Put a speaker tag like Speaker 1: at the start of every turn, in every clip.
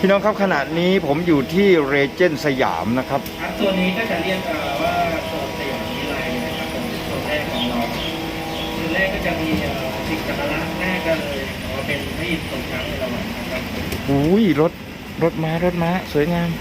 Speaker 1: พี่น้องครับขณะนี้ผมอยู่ที่เรเจนสยามนะครับ
Speaker 2: ตัวนี้ก็จะเรียกว่าโซนสยามวิไลนะครับเป็นโซนแรกของเราโซนแรกก็จะมีสิ่งสักการะแรกก็เลยว่าเป็นพระอินทร์ทรงช้างเอราวัณนะครับ
Speaker 1: อุ้ยรถม้าสวยงาม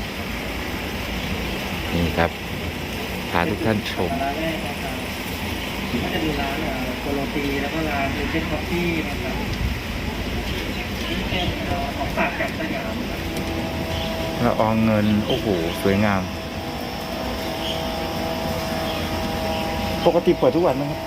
Speaker 1: นี่ครับพาทุกท่านชม
Speaker 2: ร้านแรกนะครับก็จะมีร้านโกโรตีแล้วก็ร้านเรเจนคอฟฟี่นะครับนี่เป็นของฝากจากสยาม
Speaker 1: ละอองเงินโอ้โหสวยงามปกติเปิดทุกวันนะครับ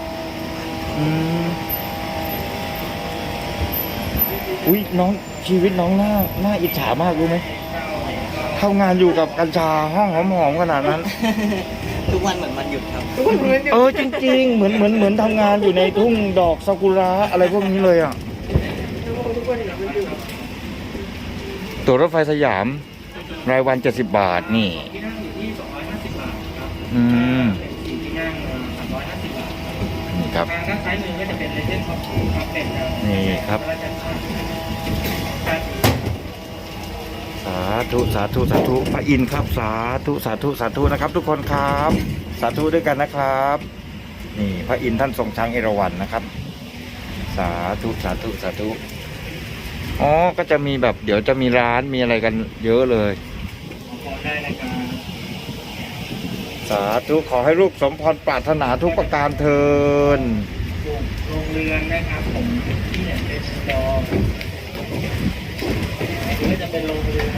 Speaker 1: อุ้ยน้องชีวิตน้องน่าอิจฉามากรู้ไหมเข้างานอยู่กับกัญชาห้องหอมๆขนาดนั้น
Speaker 2: ทุกวันเหมือนวันหยุดครับ
Speaker 1: จริงๆเหมือนทำงานอยู่ในทุ่งดอกซากุระอะไรพวกนี้เลยอ่ะตั๋วรถไฟสยามรายวัน70 บาทนี่
Speaker 2: ที่นั่งอยู่ที่250 บาทครับเป็นที่นั่ง350 บาท
Speaker 1: นี่ครับ
Speaker 2: ทางด้านซ้ายมือก็จะเป็นเลเจนด์ของครับเป็น
Speaker 1: นี่ครับสาธุพระอินทร์ครับสาธุนะครับทุกคนครับสาธุด้วยกันนะครับนี่พระอินทร์ท่านทรงช้างเอราวัณนะครับสาธุอ๋อก็จะมีแบบเดี๋ยวจะมีร้านมีอะไรกันเยอะเลยสาธุขอให้ลูกสมพรปรารถนาทุกประการเทิน
Speaker 2: โรงเรือนนะครับผมที่เนี่ยเป็นดอก็จะเป็นโรงเรือน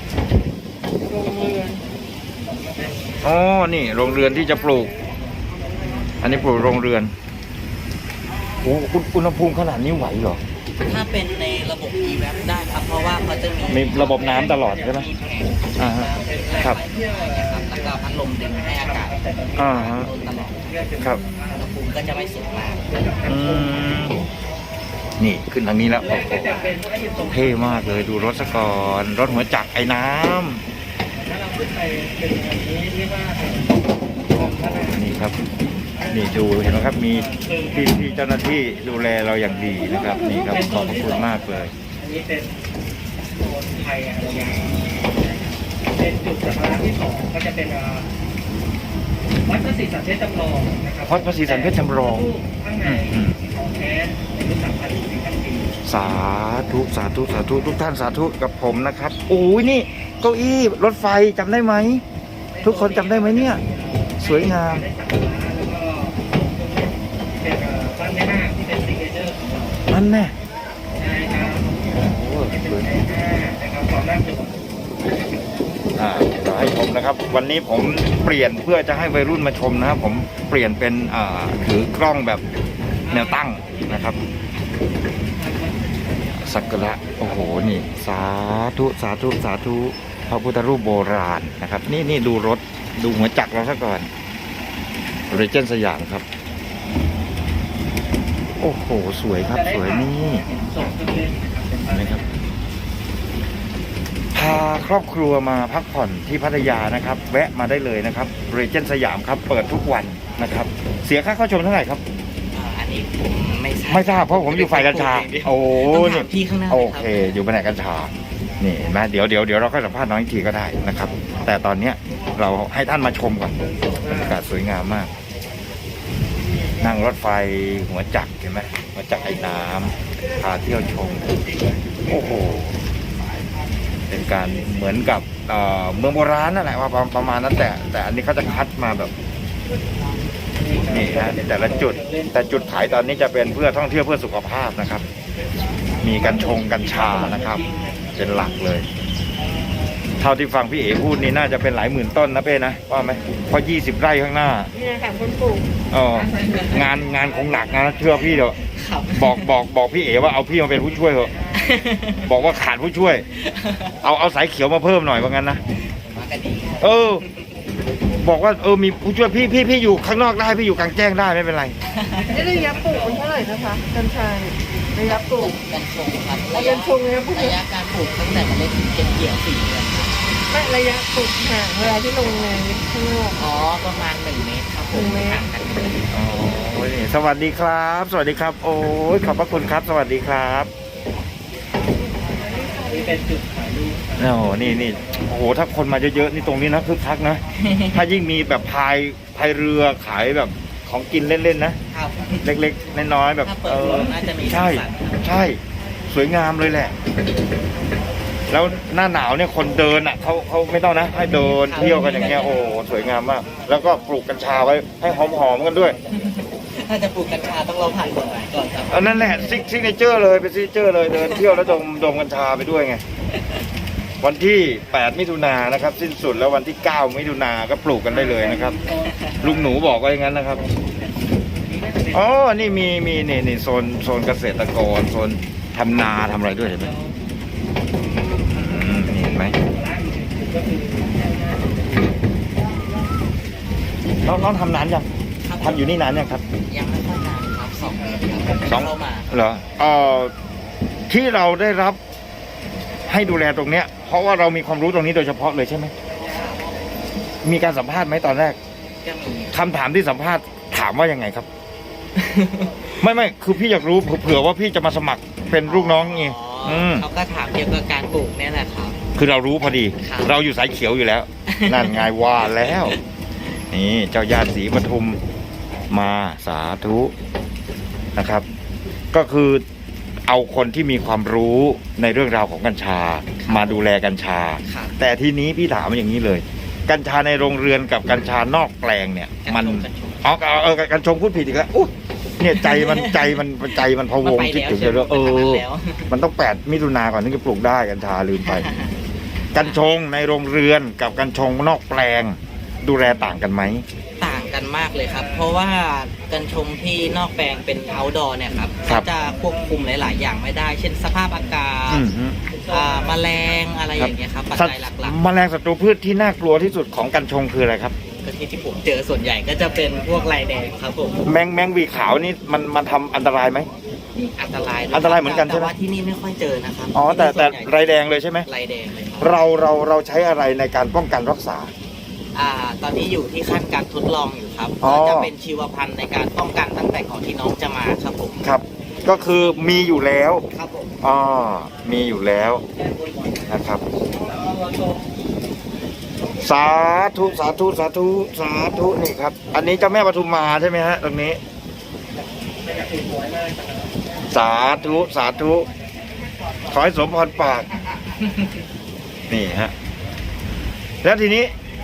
Speaker 1: อ๋อนี่โรงเรือนที่จะปลูกอันนี้ปลูกโรงเรือนโอ้อุณหภูมิขนาดนี้ไหวเหรอ
Speaker 2: ถ้าเป็นในระบบ e-web ได้ครับเพราะว่าเขาจะมี
Speaker 1: ระบบน้ำตลอดใช่ไหมครับ
Speaker 2: แล้วก็พัดลมดึงให้อากาศตลอด
Speaker 1: ครับ
Speaker 2: อุณหภูมิก็จะไม่สูงมาก
Speaker 1: นี่ขึ้นทางนี้แล้วโอ้โหเท่มากเลยดูรถซะก่อนรถหัวจักรไอ้น้ำ
Speaker 2: แล้วเราขึ้นไปเป็นอย่างนี้เรียกว่า
Speaker 1: นี่ครับนี่ดูเห็นไหมครับมีพี่เจ้าหน้าที่ดูแลเราอย่างดีนะครับนี่ครับขอบพระคุณมากเลย
Speaker 2: อันนี้เป็นโซนไทยอะไรอย่างเป็นจุดสักการะที่2ก็จะเป็นวัดพระศรีสันเพชรจำลองนะครับ
Speaker 1: วัดพระศรีสันเพชรจำลอง
Speaker 2: ข้างในของแท้ในรุ่น3,000 ปี
Speaker 1: สาธุทุกท่านสาธุกับผมนะครับโอ้ยนี่เก้าอี้รถไฟจำได้ไหมทุกคนจำได้ไหมเนี่ยสวยงาม
Speaker 2: เป็นบ้านแม่นาคที่เป็นซิกเนเจอร์ของเรา
Speaker 1: นั่นแน่
Speaker 2: ใช่ครับ
Speaker 1: โอ้สวย
Speaker 2: นะครับความน่าสน
Speaker 1: ใจให้ชมนะครับวันนี้ผมเปลี่ยนเพื่อจะให้วัยรุ่นมาชมนะครับผมเปลี่ยนเป็นถือกล้องแบบแนวตั้งนะครับสักการะโอ้โหนี่สาธุพระพุทธรูปโบราณนะครับนี่ดูรถดูหัวจักรเราซะก่อนเรเจนสยามครับโอ้โหสวยครับสวยนี่นะครับพาครอบครัวมาพักผ่อนที่พัทยานะครับแวะมาได้เลยนะครับเรเจนสยามครับเปิดทุกวันนะครับเสียค่าเข้าชมเท่าไหร่ครับ
Speaker 2: อันนี้ผม
Speaker 1: ไม่ทราบเพราะผมอยู่ฝ่ายกัญชาโอ้
Speaker 2: นี่พี่ข้างหน้า
Speaker 1: โอเคอยู่แผนกกัญชานี่เห็นไหมเดี๋ยวเราก็สัมภาษณ์น้องอีกทีก็ได้นะครับแต่ตอนเนี้ยเราให้ท่านมาชมก่อนอากาศสวยงามมากนั่งรถไฟหัวจักรเห็นไหมหัวจักรไอ้น้ำพาเที่ยวชมโอ้โหเป็นการเหมือนกับเมืองโบราณนั่นแหละว่าประมาณนั้นแต่อันนี้เขาจะคัดมาแบบนี่นะแต่ละจุดแต่จุดขายตอนนี้จะเป็นเพื่อท่องเที่ยวเพื่อสุขภาพนะครับมีกัญชานะครับเป็นหลักเลยเท่าที่ฟังพี่เอ๋พูดนี่น่าจะเป็นหลายหมื่นต้นนะเป้นะว่าไหมเพราะ20 ไร่ข้างหน้า
Speaker 3: เนี่ยค่ะคนปลูก
Speaker 1: งานคงหนักนะเชื่อพี่เถอะบอกพี่เอ๋ว่าเอาพี่มาเป็นผู้ช่วยเถอะบอกว่าขาดผู้ช่วยเอาสายเขียวมาเพิ่มหน่อยว่างั้นนะบอกว่ามีผู้ช่วยพี่อยู่ข้างนอกได้พี่อยู่กลางแจ้งได้ไม่เป็นไร
Speaker 3: นี่ระยะปลูกมันเท่าไหร่นะคะกัญชาระยะปลูก
Speaker 2: กัญชงครับ
Speaker 3: ระยะชง
Speaker 2: ระยะการปลูกตั้งแต่เมล็ดเก็บเกี่ยว4 เดือน
Speaker 3: ไม่ระยะปลูกห่างเวลาที่ลงในข้างนอก
Speaker 2: ประมาณ1 เมตรครับ
Speaker 3: 1 เมตร
Speaker 1: สวัสดีครับโอ้ยขอบพระคุณครับสวัสดีครับ
Speaker 2: เป็นจุดถ่ายรูปครับ
Speaker 1: โอ้โหนี่โอ้โหถ้าคนมาเยอะๆนี่ตรงนี้นะคึกคักนะ ถ้ายิ่งมีแบบพายเรือขายแบบของกินเล่นๆนะครับ เล็กๆน้อยๆแบบ
Speaker 2: ถ้าเปิดรถน่าจะมี
Speaker 1: ใช่
Speaker 2: สีสัน
Speaker 1: ใช่สวยงามเลยแหละ แล้วหน้าหนาวเนี่ยคนเดินอ่ะเขาไม่ต้องนะให้เดินเที่ยวกันอย่างเงี้ยโอ้โหสวยงามมาก แล้วก็ปลูกกัญชาไว้ให้หอมๆกันด้วย
Speaker 2: ถ้าจะปลูกกัญชาต้องรอผ่านกฎหมายก่อนครับ
Speaker 1: อันนั้นแหละซิกเนเจอร์เลยเป็นซิกเนเจอร์เลยเดินเที่ยวแล้วดมกัญชาไปด้วยไง วันที่ 8 มิถุนายนนะครับ สิ้นสุดแล้ววันที่ 9 มิถุนายนก็ปลูกกันได้เลยนะครับ ลุงหนูบอกว่าอย่างนั้นนะครับอ๋อนี่มีนี่โซนเกษตรกรโซนทำนาทำอะไรด้วยเห็นไหมนี่เห็นไหมน้องทำนานยังทำอยู่นี่นานยังครับ
Speaker 2: ยังไม่ค่อยนานครับ2 ปีครับ
Speaker 1: สอง
Speaker 2: เข้ามา
Speaker 1: เหรอที่เราได้รับให้ดูแลตรงเนี้ย เพราะว่าเรามีความรู้ตรงนี้โดยเฉพาะเลยใช่ไหมมีการสัมภาษณ์ไหมตอนแรก
Speaker 2: ก็มี
Speaker 1: คำถามที่สัมภาษณ์ถามว่ายังไงครับ ไม่คือพี่อยากรู้เผื่อว่าพี่จะมาสมัครเป็นลูกน้องไงม
Speaker 2: เขาก็ถามเกี่ยวกับการปลูกเนี่ยแหละครับ
Speaker 1: คือเรารู้พอดี
Speaker 2: ครับ
Speaker 1: เราอยู่สายเขียวอยู่แล้ว นั่นไงว่าแล้ว นี่เจ้าญาติศรีปทุมมาสาธุนะครับ ก็คือเอาคนที่มีความรู้ในเรื่องราวของกัญชา มาดูแลกัญชา
Speaker 2: ครับ
Speaker 1: แต่ทีนี้พี่ถามอย่างนี้เลย กัญชาในโรงเรือนกับกัญชานอกแปลงเนี่ย มัน
Speaker 2: กัญชง
Speaker 1: กัญชงพูดผิดอีกแล้วอุ๊ยเนี่ยใจมันพะวง
Speaker 2: มันไป
Speaker 1: คิด
Speaker 2: แล้ว
Speaker 1: ถึง
Speaker 2: ใช่ไหม
Speaker 1: เลย
Speaker 2: มันไปแล้ว
Speaker 1: มันต้อง8 มิถุนาก่อนถึงจะปลูกได้กัญชาลืมไป กัญชงในโรงเรือนกับกัญชงนอกแปลง ดูแลต่างกันไหม
Speaker 2: ต่างกันมากเลยครับ เพราะว่ากัญชงที่นอกแปลงเป็น outdoor เนี่ยครับ
Speaker 1: ครับ
Speaker 2: ก็จะควบคุมหลาย ๆ อย่างไม่ได้ เช่นสภาพอากาศ
Speaker 1: อืมฮึ
Speaker 2: แมลงอะไรอย่างเงี้ยครับปัจจัยหลัก
Speaker 1: แมลงศัตรูพืชที่น่ากลัวที่สุดของกัญชงคืออะไรครับ
Speaker 2: ๆก็ที่ผมเจอส่วนใหญ่ก็จะเป็นพวกลายแดงครับผม
Speaker 1: แมงวีขาวนี่มันทำอันตรายไหม
Speaker 2: อันตราย
Speaker 1: อันตรายเหมือนกันใช่ไหม
Speaker 2: แต่ว่าที่นี่ไม่ค่อยเจอนะครับ
Speaker 1: อ๋อแต่
Speaker 2: ส่วนใหญ่
Speaker 1: ไรแดงเลยใช่ไหม
Speaker 2: ลายแดงเลยครับ
Speaker 1: เราใช้อะไรในการป้องกันรักษา
Speaker 2: ตอนนี้อยู่ที่ขั้นการทดลองอยู่ครับ
Speaker 1: อ๋อ
Speaker 2: ก็จะเป็นชีวพันธุ์ในการป้องกันตั้งแต่ก่อนที่น้องจะมาครับผม
Speaker 1: ครับ ก็คือมีอยู่แล้ว
Speaker 2: ครับผม
Speaker 1: อ๋อมีอยู่แล้วนะครับ สาธุสาธุสาธุสาธุนี่ครับ อันนี้เจ้าแม่ปทุมมาใช่ไหมฮะตรงนี้ สาธุสาธุขอให้สมพรปาก นี่ฮะ แล้วทีนี้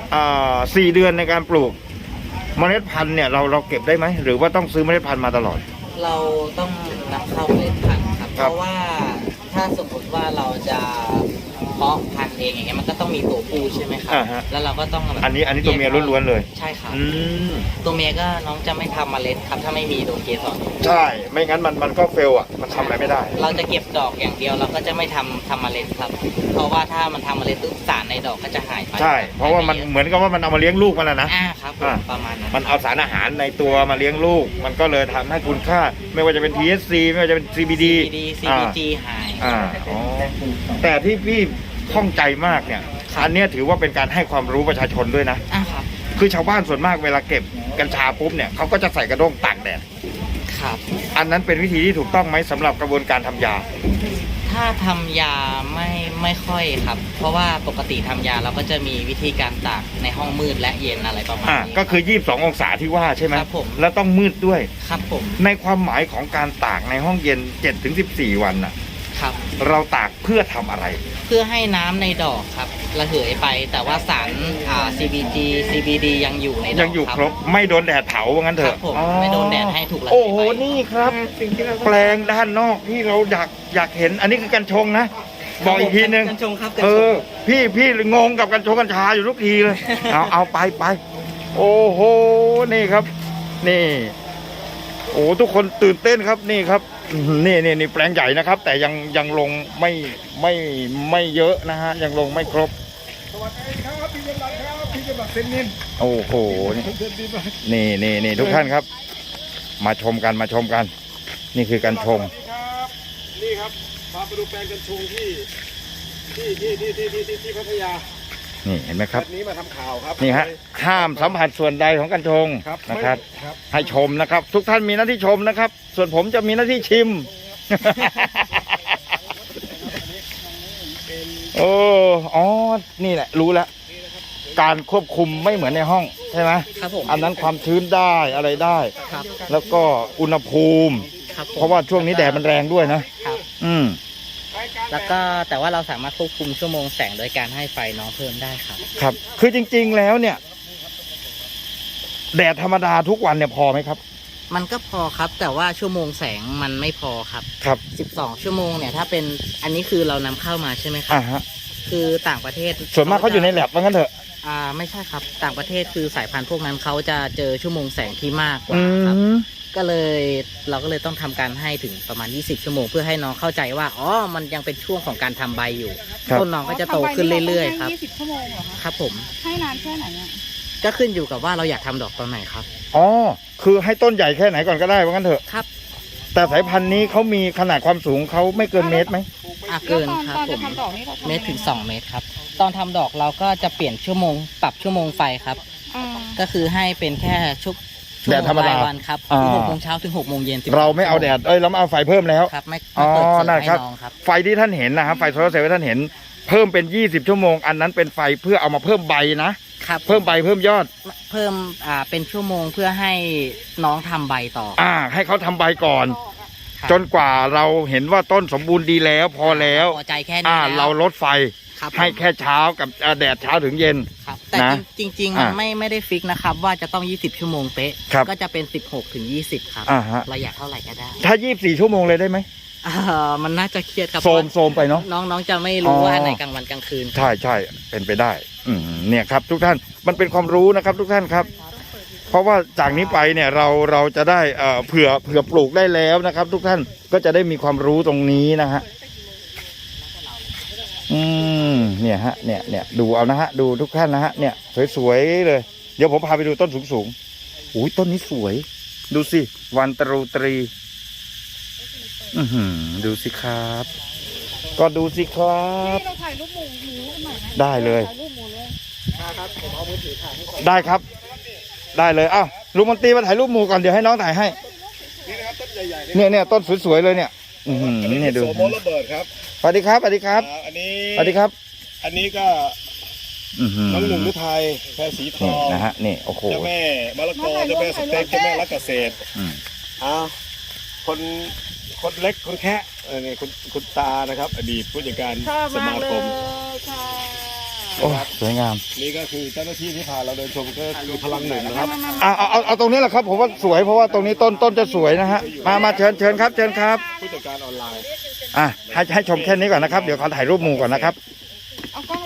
Speaker 1: 4 เดือนในการปลูก เมล็ดพันธุ์เนี่ยเราเก็บได้ไหมหรือว่าต้องซื้อเมล็ดพันธุ์มาตลอด
Speaker 2: เราต้องนำเข้าเมล็ดพันธุ์ครับ
Speaker 1: ค
Speaker 2: เพ
Speaker 1: รับ
Speaker 2: ราะว่าถ้าสมมติว่าเราจะเพาะพันธุ์เองอย่างเงี้ยมันก็ต้องมีตัวผู้ใช่ไหมครั
Speaker 1: อ่าฮะ
Speaker 2: แล้วเราก็ต้องแบบ
Speaker 1: อันนี้ตัวเมียล้วนๆเลย
Speaker 2: ใช่ครับ
Speaker 1: อืม
Speaker 2: ตัวเมียก็น้องจะไม่ทำเมล็ดครับ ถ้าไม่มีตัวเกสร
Speaker 1: ใช่ ไม่งั้นมันก็เฟลอ่ะ มันทำอะไรไม่ได้
Speaker 2: เราจะเก็บดอกอย่างเดียวเราก็จะไม่ทำเมล็ดครับ เพราะว่าถ้ามันทำเมล็ดปุ๊บสารในดอกก็จะหายไป
Speaker 1: ใช่ เพราะว่ามันเหมือนกับว่ามันเอามาเลี้ยงลูกมันแล้วนะ
Speaker 2: ครับผม
Speaker 1: อ่า
Speaker 2: ประมาณนั้น
Speaker 1: มันเอาสารอาหารในตัวมาเลี้ยงลูก มันก็เลยทำให้คุณค่า ไม่ว่าจะเป็น THC ไม่ว่าจะเป็น CBD
Speaker 2: CBG หาย
Speaker 1: อ๋อ แต่ที่พี่ข้องใจมากเนี่ย อันเนี้ยถือว่าเป็นการให้ความรู้ประชาชนด้วยนะ
Speaker 2: ครับ
Speaker 1: คือชาวบ้านส่วนมากเวลาเก็บกัญชาปุ๊บเนี่ยเขาก็จะใส่กระด้งตากแดด
Speaker 2: ครับ
Speaker 1: อันนั้นเป็นวิธีที่ถูกต้องไหมสำหรับกระบวนการทำยา
Speaker 2: ถ้าทำยาไม่ค่อยครับ เพราะว่าปกติทำยาเราก็จะมีวิธีการตากในห้องมืดและเย็นอะไรประมาณนี้
Speaker 1: ก็คือ 22 องศาที่ว่าใช่ไหม
Speaker 2: ครับผม
Speaker 1: แล้วต้องมืดด้วย
Speaker 2: ครับผม
Speaker 1: ในความหมายของการตากในห้องเย็น 7-14 วันน่ะ
Speaker 2: ครับ
Speaker 1: เราตากเพื่อทำอะไร
Speaker 2: เพื่อให้น้ำในดอกครับระเหยไป แต่ว่าสารCBG CBD ยังอยู่ในดอก
Speaker 1: ยังอยู่ครบ ไม่โดนแดดเผาว่างั้นเถ
Speaker 2: ครั
Speaker 1: อะ
Speaker 2: บผม
Speaker 1: อ๋อ
Speaker 2: ไม่โดนแดดให้ถูกระเหย
Speaker 1: โอ้โห
Speaker 2: ไป
Speaker 1: นี่ครับ แปลงด้านนอกที่เราอยากเห็น อันนี้คือกัญชงนะ บอกอีกทีนึง
Speaker 2: กัญชงครับกัญ
Speaker 1: เอ
Speaker 2: ช
Speaker 1: อง พี่งงกับกัญชงกัญชาอยู่ทุกทีเลย เอาไป โอ้โห นี่ครับ นี่ โอ้ทุกคนตื่นเต้นครับนี่ครับนี่แปลงใหญ่นะครับ แต่ยังลงไม่เยอะนะฮะยังลงไม่ครบ
Speaker 4: สวัสดีครับพี่กำลังครับพี่กำลังเซนนิน
Speaker 1: โอ้โห
Speaker 4: เซนนินมา
Speaker 1: นี่ทุกท่านครับ มาชมกัน นี่คือการชม
Speaker 4: สวัสดีครับนี่ครับพาไปดูแปลงกัญชงที่พัทยา
Speaker 1: นี่เห็นไหมครับ
Speaker 4: แบบนี้มาทำข่าวครับ
Speaker 1: นี่ฮะห้ามสัมผัสส่วนใดของกัญชง
Speaker 4: ครับ
Speaker 1: นะครับ
Speaker 4: ครับ
Speaker 1: ให้ชมนะครับ ทุกท่านมีหน้าที่ชมนะครับ ส่วนผมจะมีหน้าที่ชิม
Speaker 4: เอ
Speaker 1: อ๋อนี่แหละรู้แล้วการควบคุมไม่เหมือนในห้องใช่ไหม
Speaker 5: ครับผม
Speaker 1: อันนั้นความชื้นได้อะไรได้
Speaker 5: ครับ
Speaker 1: แล้วก็อุณหภูมิ
Speaker 5: ครับผม
Speaker 1: เพราะว่าช่วงนี้แดดมันแรงด้วยนะ
Speaker 5: ครับ
Speaker 1: อืม
Speaker 5: แล้วก็แต่ว่าเราสามารถควบคุมชั่วโมงแสงโดยการให้ไฟน้องเพิ่มได้ครับ
Speaker 1: ครับ คือจริงๆแล้วเนี่ย แดดธรรมดาทุกวันเนี่ยพอไหมครับ
Speaker 5: มันก็พอครับ แต่ว่าชั่วโมงแสงมันไม่พอครับ
Speaker 1: ครับ
Speaker 5: 12 ชั่วโมงเนี่ยถ้าเป็นอันนี้คือเรานำเข้ามาใช่ไหมครับ
Speaker 1: ฮะ
Speaker 5: คือต่างประเทศ
Speaker 1: ส่วนมากเขาอยู่ในแลบว่างั้นเถอะ
Speaker 5: ไม่ใช่ครับ ต่างประเทศคือสายพันธุ์พวกนั้นเขาจะเจอชั่วโมงแสงที่มากกว่า
Speaker 1: อื
Speaker 5: ครับ
Speaker 1: ม
Speaker 5: ก็เลยเราก็เลยต้องทำการให้ถึงประมาณ 20 ชั่วโมงเพื่อให้น้องเข้าใจว่าอ๋อมันยังเป็นช่วงของการทำใบอยู่
Speaker 1: ครับ
Speaker 5: ต้นน้องก็จะโตขึ้นเรื่อยๆครับ
Speaker 3: 20 ชั่วโมงเหรอคะ
Speaker 5: ครับผม
Speaker 3: ให้นานแค่ไหนอ่ะ
Speaker 5: ก็ขึ้นอยู่กับว่าเราอยากทำดอกตอนไหนครับ
Speaker 1: อ๋อ คือให้ต้นใหญ่แค่ไหนก่อนก็ได้ว่างั้นเถอะ
Speaker 5: ครับ
Speaker 1: แต่สายพันธุ์นี้เขามีขนาดความสูงเขาไม่เกินเมตรไหม
Speaker 5: เกิน
Speaker 3: แล้ว
Speaker 5: ครับ
Speaker 3: ตอน
Speaker 5: ผ
Speaker 3: จะ
Speaker 5: ม
Speaker 3: ทำดอกนี่เราทำ
Speaker 5: เมตรถึง2 เมตรครับ ตอนทำดอกเราก็จะเปลี่ยนชั่วโมงปรับชั่วโมงไฟครับ
Speaker 3: อ่า
Speaker 5: ก็คือให้เป็นแค่ชั่ว
Speaker 1: แดดธรรมดา
Speaker 5: ชั่วโงยวันครับ
Speaker 1: อ่า
Speaker 5: คือ6 โมงเช้าถึง 6 โมงเย็น12
Speaker 1: เราไม่เอาแดดเราไม่เอาไฟเพิ่มแล้ว
Speaker 5: ครับไม่
Speaker 1: อ๋อ
Speaker 5: เปิดเสริม
Speaker 1: นั่น
Speaker 5: ให้
Speaker 1: ครับ
Speaker 5: น้องครับ
Speaker 1: ไฟที่ท่านเห็นนะครับไฟโซลาร์เซลล์ที่ท่านเห็น เพิ่มเป็น20 ชั่วโมง อันนั้นเป็นไฟเพื่อเอามาเพิ่มใบนะ
Speaker 5: ครับ
Speaker 1: เพิ่มใบเพิ่มยอด
Speaker 5: เพิ่มเป็นชั่วโมงเพื่อให้น้องทำใบต่อ
Speaker 1: ให้เขาทำใบก่อน
Speaker 5: ครับ
Speaker 1: จนกว่าเราเห็นว่าต้นสมบูรณ์ดีแล้วพอแล้ว
Speaker 5: พอใจแค่นี้แล้ว
Speaker 1: เราลดไฟ
Speaker 5: ครับ
Speaker 1: ให้แค่เช้ากับแดดเช้าถึงเย็น
Speaker 5: ครับแต่
Speaker 1: นะ
Speaker 5: จริงๆมันไม่ได้ฟิกนะครับ ว่าจะต้อง 20 ชั่วโมงเป๊ะ
Speaker 1: ครับ
Speaker 5: ก็จะเป็น 16 ถึง 20 ครับ
Speaker 1: ฮะ
Speaker 5: เราอยากเท่าไหร่ก็ได้
Speaker 1: ถ้า24 ชั่วโมงเลยได้ไหม
Speaker 5: มันน่าจะเครียดครับ
Speaker 1: โซมไปเนาะ
Speaker 5: น้องๆจะไม่รู้ว่าอันไหนกลางวันกลางคืน
Speaker 1: ใช่ใช่เป็นไปได้ เนี่ยครับ ทุกท่านมันเป็นความรู้นะครับ ทุกท่านครับ เพราะว่าจากนี้ไปเนี่ยเราจะได้เผื่อปลูกได้แล้วนะครับ ทุกท่านก็จะได้มีความรู้ตรงนี้นะฮะเนี่ยฮะเนี่ยดูเอานะฮะดูทุกท่านนะฮะเนี่ยสวยๆเลยเดี๋ยวผมพาไปดูต้นสูงๆอุ้ยต้นนี้สวย ดูสิวันตรูตรีดูสิครับ ก็ดูสิครับ
Speaker 3: เราถ่ายรูปหมูกันหน่อยไหม
Speaker 1: ได้เลย
Speaker 3: ถ่ายรูปหมูเลย
Speaker 1: ได้ครับ ได้เลยอ้าวลุงมนตรีมาถ่ายรูปหมู่ก่อนเดี๋ยวให้น้องถ่ายให้
Speaker 4: นี่นะครับต้นใหญ่ๆ
Speaker 1: เนี่ยต้นสวยๆเลยเนี่ยเนี่ยดู
Speaker 4: โสมระเบิดครับ
Speaker 1: สวัสดีครับสวัสดีครับ
Speaker 4: อันนี้
Speaker 1: สวัสดีครับ
Speaker 4: อันนี้ก็น้องหนุ่มฤทัยแพรสีท
Speaker 1: นี่
Speaker 4: อง
Speaker 1: นะฮะนี่โอ้โห
Speaker 4: เจ้าแม่มะละกอเจ้าแม่สเต็กเจ้าแม่รักเกษตร
Speaker 1: อืม
Speaker 4: คนเล็กคนแคะนี่คุณตานะครับ อดีตผู้จัดการ
Speaker 3: ชอบ
Speaker 4: ส
Speaker 3: มาก
Speaker 4: มา
Speaker 3: เล
Speaker 4: คม
Speaker 3: ยค่ะ
Speaker 1: โอ้สวยงาม
Speaker 4: นี่ก็คือเจ้าหน้าที่ที่พาเราเดินชมก็คือพลังหนึ่งนะครับ
Speaker 1: เอาตรงนี้แหละครับผมว่าสวยเพราะว่าตรงนี้ต้นจะสวยนะฮะมาเชิญครับ
Speaker 4: ผู้จัดการออนไลน์
Speaker 1: ให้ชมแค่นี้ก่อนนะครับเดี๋ยวขอถ่ายรูปหมู่ก่อนนะครับ